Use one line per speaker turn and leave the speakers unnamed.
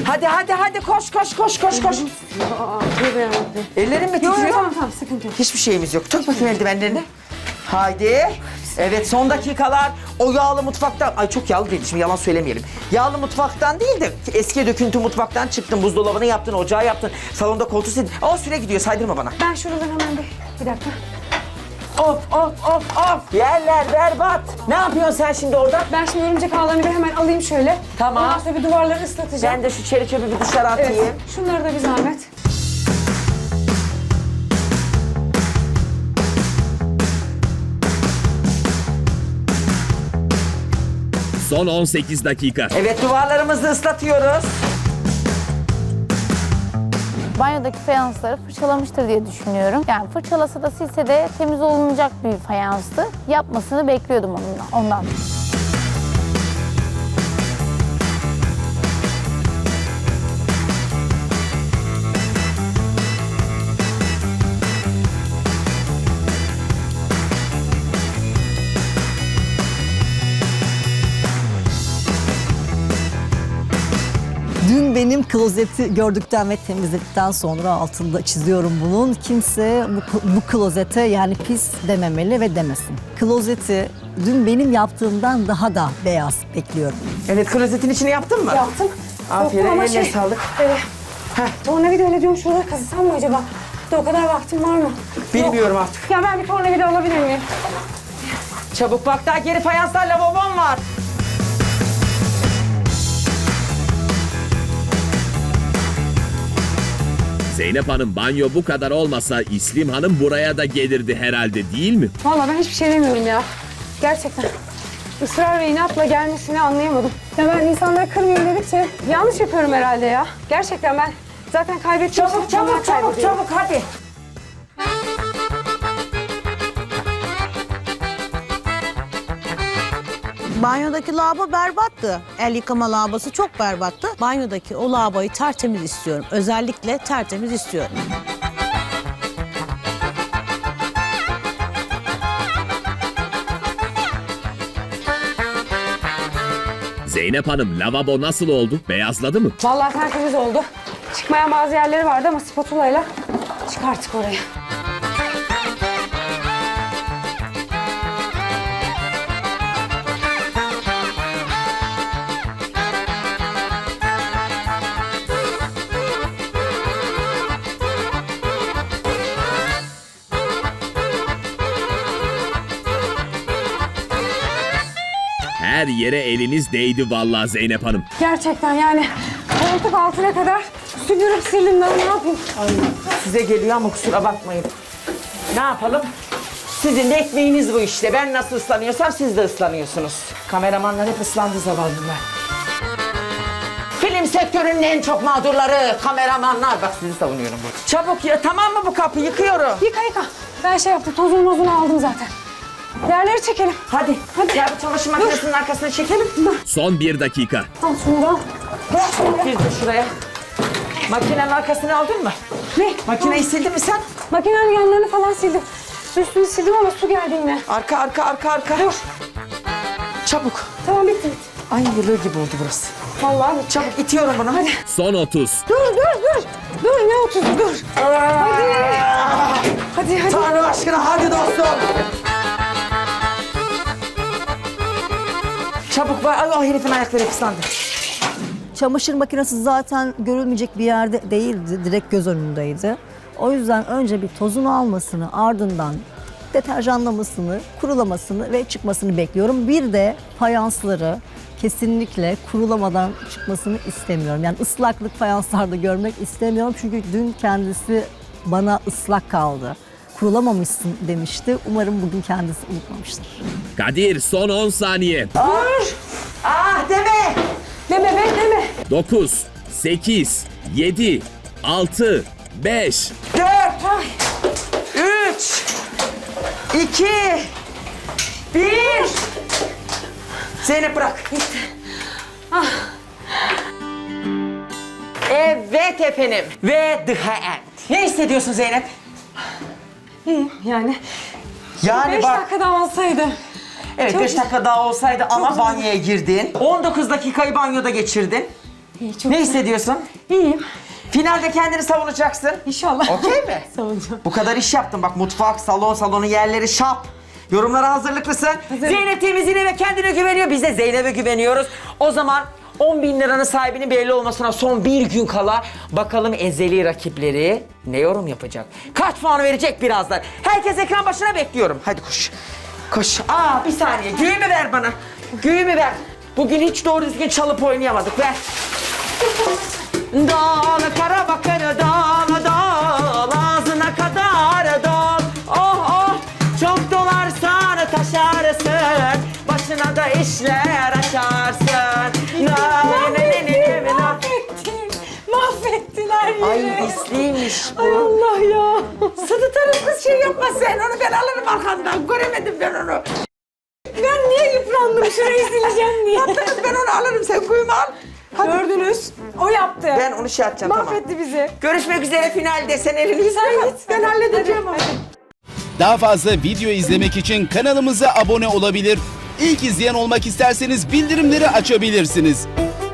Hadi koş.
Tövbe yarabbim.
Ellerin mi titriyor?
Tamam sıkıntı yok.
Hiçbir şeyimiz yok. Tak bakayım eldivenlerini. Haydi. Evet son dakikalar o yağlı mutfaktan. Ay çok yağlı değil şimdi yalan söylemeyelim. Yağlı mutfaktan değil de eski döküntü mutfaktan çıktın. Buzdolabını yaptın, ocağı yaptın. Salonda koltuğu sildin. O süre gidiyor saydırma bana.
Ben şuradan hemen bir dakika.
Of. Yerler berbat. Ne yapıyorsun sen şimdi orada?
Ben şimdi örümcek ağlarını bir hemen alayım şöyle.
Tamam.
Ondan sonra bir duvarları ıslatacağım.
Ben de şu çeri çöpü bir dışarı atayım.
Evet. Şunları da bir zahmet.
Son 18 dakika.
Evet duvarlarımızı ıslatıyoruz.
Banyodaki fayansları fırçalamıştır diye düşünüyorum. Yani fırçalasa da silse de temiz olunacak bir fayanstı. Yapmasını bekliyordum ondan.
Dün benim klozeti gördükten ve temizledikten sonra altında çiziyorum bunun. Kimse bu klozete yani pis dememeli ve demesin. Klozeti dün benim yaptığımdan daha da beyaz bekliyorum.
Evet klozetin içini yaptın mı?
Yaptım.
Aferin
Soktum ama
eline sağlık.
Tornavida öyle diyorum şurada kazısam mı acaba? Bir de o kadar vaktim var mı?
Bilmiyorum artık.
Ya ben bir tornavida alabilir miyim?
Çabuk bak daha geri fayanslar lavabom var.
Zeynep Hanım banyo bu kadar olmasa İslim Hanım buraya da gelirdi herhalde değil mi?
Vallahi ben hiçbir şey demiyorum ya. Gerçekten. Israr ve inatla gelmesini anlayamadım. Ya ben insanları kırmayayım dedikçe yanlış yapıyorum herhalde ya. Gerçekten ben zaten kaybettiğim
Çabuk hadi.
Banyodaki lavabo berbattı. El yıkama lavabosu çok berbattı. Banyodaki o lavaboyu tertemiz istiyorum. Özellikle tertemiz istiyorum.
Zeynep Hanım lavabo nasıl oldu? Beyazladı mı?
Vallahi tertemiz oldu. Çıkmayan bazı yerleri vardı ama spatulayla çıkarttık orayı.
Her yere eliniz değdi vallahi Zeynep Hanım.
Gerçekten yani koltuk altına kadar süpürüp sildim ben ne yapayım?
Ay size geliyor ama kusura bakmayın. Ne yapalım? Sizin de ekmeğiniz bu işte. Ben nasıl ıslanıyorsam siz de ıslanıyorsunuz. Kameramanlar hep ıslandı zavallılar. Film sektörünün en çok mağdurları kameramanlar. Bak sizi savunuyorum burada. Çabuk ya tamam mı bu kapı yıkıyorum.
Yıka. Ben şey yaptım tozunu mozunu aldım zaten. Yerleri çekelim.
Hadi. Gel bu çamaşır makinesinin arkasına çekelim.
Son 1 dakika.
Al şunu da. Bırak şunu.
Bir de şuraya. Makinenin arkasını aldın mı?
Ne?
Makineyi sildin mi sen?
Makinenin yanlarını falan sildim. Üstünü sildim ama su geldi yine.
Arka. Dur. Çabuk.
Tamam bitti.
Ay yılı gibi oldu burası.
Vallahi bitti.
Çabuk itiyorum bunu. Hadi.
Son 30.
Dur. Dur ne oturdu dur. Hadi.
Tanrı aşkına hadi dostum. Çabuk var. Ay o herifin ayakları hep ıslandı.
Çamaşır makinesi zaten görülmeyecek bir yerde değildi, direkt göz önündeydi. O yüzden önce bir tozunu almasını, ardından deterjanlamasını, kurulamasını ve çıkmasını bekliyorum. Bir de fayansları kesinlikle kurulamadan çıkmasını istemiyorum. Yani ıslaklık fayanslarda görmek istemiyorum çünkü dün kendisi bana ıslak kaldı. Kurulamamışsın demişti. Umarım bugün kendisi unutmamıştır.
Kadir son 10 saniye.
Dur. Ah deme.
Deme.
9, 8, 7, 6, 5.
4. 3. 2. 1. Zeynep bırak. Gitti. Evet efendim. Ve the end. Ne hissediyorsun Zeynep?
İyiyim yani.
Yani
5
bak.
dakika daha olsaydı.
Evet
Çok
5 dakika daha olsaydı ama
zor.
banyoya girdin. 19 dakikayı banyoda geçirdin.
İyi, çok
Ne hissediyorsun?
İyiyim.
Finalde kendini savunacaksın.
İnşallah.
Okey mi?
Savunacağım.
Bu kadar iş yaptın bak, mutfak, salonun yerleri şap. Yorumlara hazırlıklısın. Zeynep temizliğine ve kendine güveniyor. Biz de Zeynep'e güveniyoruz. O zaman 10.000 liranın sahibinin belli olmasına son bir gün kala bakalım ezeli rakipleri ne yorum yapacak? Kaç puan verecek birazdan? Herkes ekran başına bekliyorum. Hadi koş. Koş. Bir saniye. Güğümü ver bana. Güğümü ver. Bugün hiç doğru düzgün çalıp oynayamadık. Ver. Dal kara bakır dal dal ağzına kadar dal. Oh oh çok dolarsan taşarsın, başına da işler açarsın.
Mahvettiler yine.
Ay isliymiş bu.
Ay Allah ya.
Sıdıtarız kız, şey yapma sen onu, ben alırım arkandan, göremedim ben onu.
Ben niye yıprandım? Şurayı sileceğim diye.
Yaptınız, ben onu alırım, sen kuyumu al. Hadi.
Gördünüz. O yaptı.
Ben onu şey yapacağım, tamam.
Mahvetti bizi.
Görüşmek üzere finalde, sen elini yüzüne
Sen
yıka.
git.
Ben halledeceğim onu.
Daha fazla video izlemek için kanalımıza abone olabilir. İlk izleyen olmak isterseniz bildirimleri açabilirsiniz.